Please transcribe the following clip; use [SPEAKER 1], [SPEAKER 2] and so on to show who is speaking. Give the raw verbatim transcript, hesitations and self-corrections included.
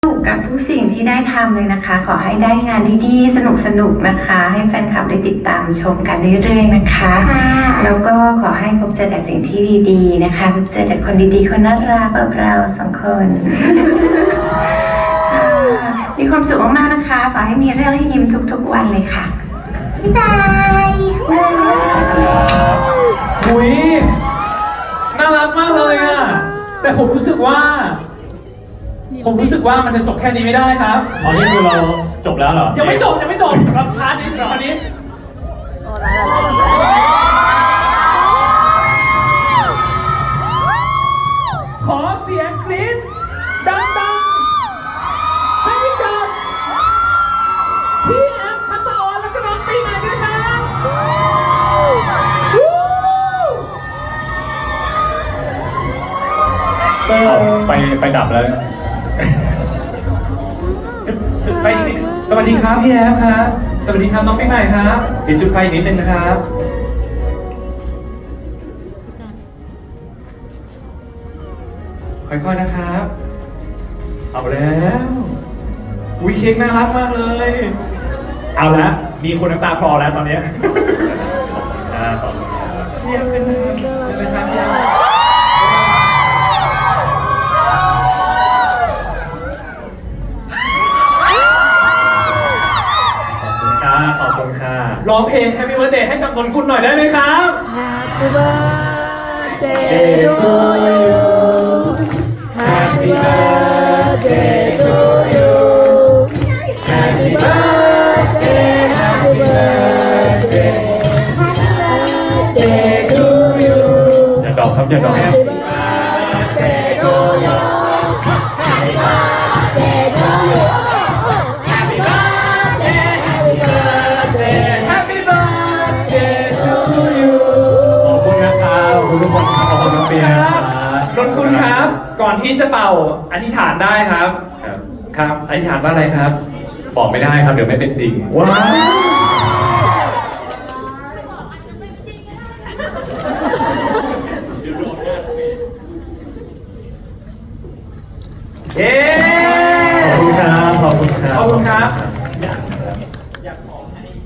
[SPEAKER 1] สุขกับทุกสิ่งที่ได้ทำเลยนะคะ ขอให้ได้งานดีๆสนุกๆนะคะ ให้แฟนคลับได้ติดตามชมกันเรื่อยๆนะคะแล้วก็ขอให้พบเจอแต่สิ่งที่ดีๆนะคะพบเจอแต่คนดีๆคนน่ารักแบบเราสองคน มีความสุขมากๆนะคะขอให้มีเรื่องให้ยิ้มทุกๆวันเลยค่ะบ๊ายบาย
[SPEAKER 2] หุยน่ารักมากเลยอ่ะแต่ผมรู้สึกว่า ผมรู้สึกว่ามันจะจบแค่นี้ไม่ได้ครับอ๋อนี่คือเราจบแล้วเหรอยังไม่จบยังไม่จบสำหรับชาร์ตนี้สำหรับอันนี้ขอเสียงกรี๊ดดังๆให้กับพี่แอมทัศอรแล้วก็น้องปีใหม่ด้วยครับไฟไฟดับแล้วจุดจุดไฟอีกนิดนึงสวัสดีครับพี่แอฟครับสวัสดีครับน้องปีใหม่ครับเดี๋ยวจุดไฟอีกนิดนึงนะครับค่อยๆนะครับเอาแล้วอุ้ยเค้กน่ารักมากเลยเอาละมีคนน้ำตาคลอแล้วตอนนี้ขอบคุณครับพี่แอฟขึ้นนะครับขึ้นเลยครับพี่แอฟขอบคุณค่ะร้องเพลง Happy Birthday ให้กับนนกุลหน่อยได้ไหมครับ
[SPEAKER 3] Happy birthday to you Happy birthday to you Happy birthday Happy birthday Happy birthday to you
[SPEAKER 2] อย่าดอกครับอย่าดอก
[SPEAKER 3] Happy birthday to you Happy birthday to you Happy birthday Happy birthday
[SPEAKER 2] Happy Birthday to you ขอบคุณนะครับขอบคุณทุกคนครับขอบคุณน้องเปียครับนนกุลครับ ก่อนที่จะเป่าอธิษฐานได้ครับครับครับอธิษฐานว่าอะไรครับ บอกไม่ได้ครับเดี๋ยวไม่เป็นจริงว้าวเย้ขอบคุณครับขอบคุณครับขอบคุณครับ